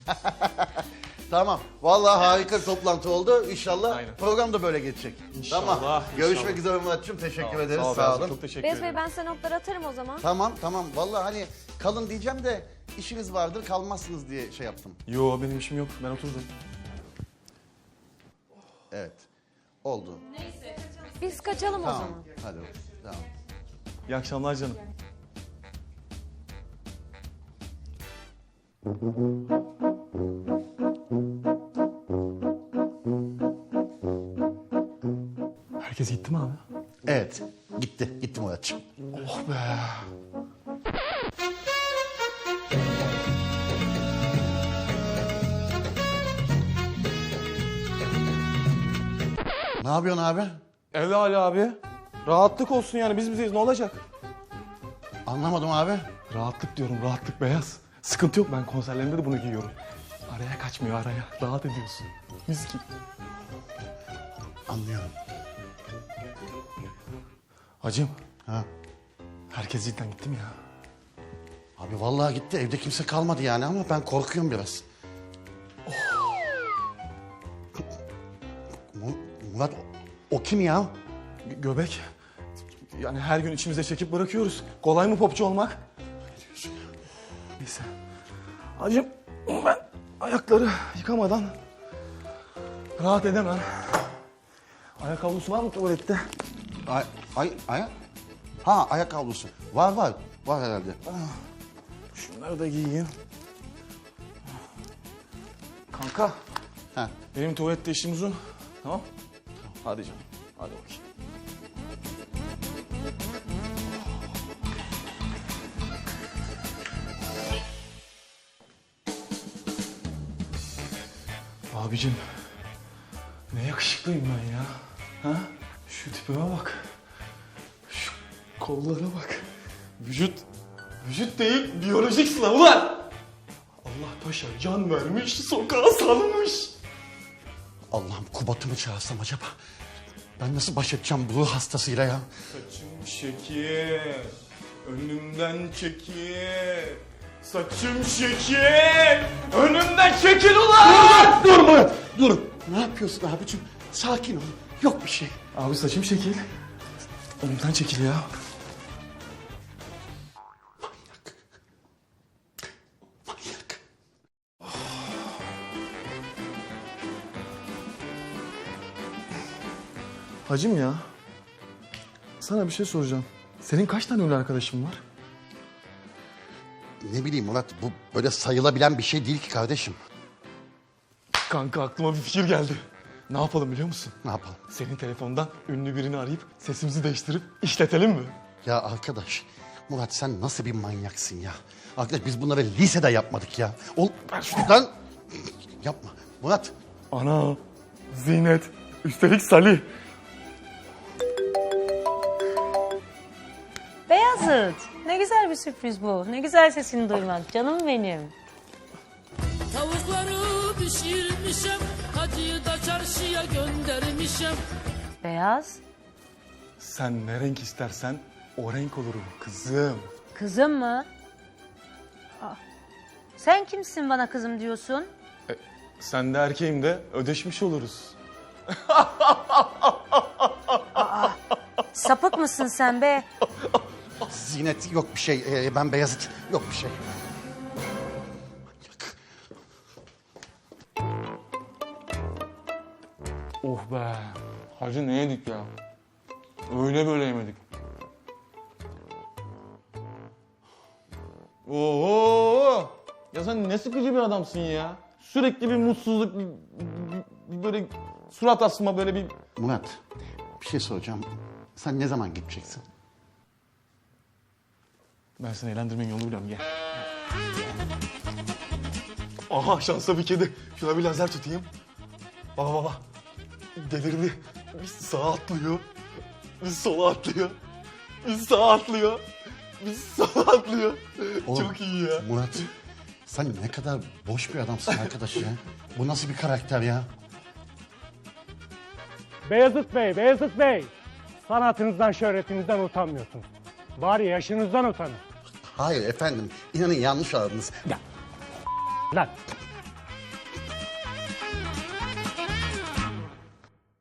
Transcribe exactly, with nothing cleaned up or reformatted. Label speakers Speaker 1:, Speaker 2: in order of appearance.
Speaker 1: Tamam. Vallahi harika bir toplantı oldu. İnşallah
Speaker 2: Aynen.
Speaker 1: program da böyle geçecek.
Speaker 2: İnşallah,
Speaker 1: Tamam. Görüşmek
Speaker 2: inşallah.
Speaker 1: üzere Murat'cığım. Teşekkür
Speaker 2: Sağ ol,
Speaker 1: ederiz.
Speaker 2: sağ ol
Speaker 1: Sağ
Speaker 2: Beyazıt,
Speaker 1: olun.
Speaker 2: çok teşekkür
Speaker 3: Beyaz
Speaker 2: ederim.
Speaker 3: Bey ben size notları atarım o zaman.
Speaker 1: Tamam tamam. Vallahi hani kalın diyeceğim de işiniz vardır kalmazsınız diye şey yaptım.
Speaker 2: Yo benim işim yok. Ben oturdum.
Speaker 1: Evet. Oldu.
Speaker 3: Biz kaçalım o
Speaker 1: Tamam.
Speaker 3: zaman.
Speaker 1: Hadi. Tamam.
Speaker 2: İyi akşamlar canım. Herkes gitti mi abi?
Speaker 1: Evet. Gitti. Gitti Murat'cığım.
Speaker 2: Oh be.
Speaker 1: Ne yapıyorsun abi?
Speaker 2: Evde Ali abi. Rahatlık olsun yani biz bizeyiz ne olacak?
Speaker 1: Anlamadım abi.
Speaker 2: Rahatlık diyorum rahatlık beyaz. Sıkıntı yok ben konserlerimde de bunu giyiyorum. Araya kaçmıyor araya. Rahat ediyorsun. Mis gibi.
Speaker 1: Anlıyorum.
Speaker 2: Hacım
Speaker 1: Ha.
Speaker 2: herkes cidden gitti mi ya?
Speaker 1: Abi vallahi gitti. Evde kimse kalmadı yani ama ben korkuyorum biraz. Mu- Murat o, o kim ya?
Speaker 2: Gö- göbek. Yani her gün içimize çekip bırakıyoruz. Kolay mı popçu olmak?
Speaker 1: Ne diyorsun ya?
Speaker 2: Neyse. Hacım ben ayakları yıkamadan rahat edemem. Ayak havlusu var mı tuvalette?
Speaker 1: Ay, ay, ay. Ha ayak havlusu. Var var. Var herhalde.
Speaker 2: Şunları da giyeyim. Kanka
Speaker 1: Ha.
Speaker 2: benim tuvalette işim uzun. Tamam. Hadi canım. Hadi bakayım. Abicim ne yakışıklıyım ben ya. Ha? Şu tipime bak. Şu kollara bak. Vücut, vücut değil biyolojik sınavlar. Allah paşa can vermiş, sokağa salmış.
Speaker 1: Allah'ım Kubat'ımı çağırsam acaba? Ben nasıl baş edeceğim bu ruh hastasıyla ya?
Speaker 2: Saçım şekil, önümden çekil. Saçım şekil, önümden çekil ulan!
Speaker 1: Dur Murat, dur. Ne yapıyorsun abicim? Sakin ol. Yok bir şey.
Speaker 2: Abi saçım şekil, önümden çekil ya.
Speaker 1: Manyak. Manyak.
Speaker 2: Hacım ya, sana bir şey soracağım. Senin kaç tane ünlü arkadaşın var?
Speaker 1: Ne bileyim Murat, bu böyle sayılabilen bir şey değil ki kardeşim.
Speaker 2: Kanka aklıma bir fikir geldi. Ne yapalım biliyor musun?
Speaker 1: Ne yapalım?
Speaker 2: Senin telefondan ünlü birini arayıp sesimizi değiştirip işletelim mi?
Speaker 1: Ya arkadaş, Murat sen nasıl bir manyaksın ya? Arkadaş biz bunları lisede yapmadık ya. Ol, ver şunu lan. Yapma. Murat,
Speaker 2: Ana, Zinet, üstelik Salih.
Speaker 4: Beyazıt, ne güzel bir sürpriz bu. Ne güzel sesini duymak, canım benim.
Speaker 5: Tavukları pişirmişem, hacıyı da çarşıya göndermişem.
Speaker 4: Beyaz,
Speaker 2: Sen ne renk istersen o renk olurum kızım.
Speaker 4: kızım mı? Aa, sen kimsin bana kızım diyorsun?
Speaker 2: Sen de erkeğim de ödeşmiş oluruz.
Speaker 4: Sapık mısın sen be?
Speaker 1: Zinet yok bir şey. Ee, ben Beyazıt yok bir şey. Manyak.
Speaker 2: Oh be. Hacı ne yedik ya? Öyle böyle yemedik. Oo! Ya sen ne sıkıcı bir adamsın ya. Sürekli bir mutsuzluk, bir, bir- bir böyle surat asma böyle bir...
Speaker 1: Murat, bir şey soracağım. Sen ne zaman gideceksin?
Speaker 2: Ben seni eğlendirmenin yolunu biliyorum gel. Aha şansa bir kedi. Şuna bir lazer tutayım. Baba baba. Delirdi. Bir sağa atlıyor. Bir sola atlıyor. Bir sağa atlıyor. Bir sola atlıyor.
Speaker 1: Oğlum,
Speaker 2: Çok iyi ya.
Speaker 1: Murat, sen ne kadar boş bir adamsın arkadaş ya. Bu nasıl bir karakter ya?
Speaker 6: Beyazıt Bey, Beyazıt Bey. Sanatınızdan, şöhretinizden utanmıyorsunuz. Bari yaşınızdan utanın.
Speaker 1: Hayır efendim, inanın yanlış aradınız.
Speaker 6: Lan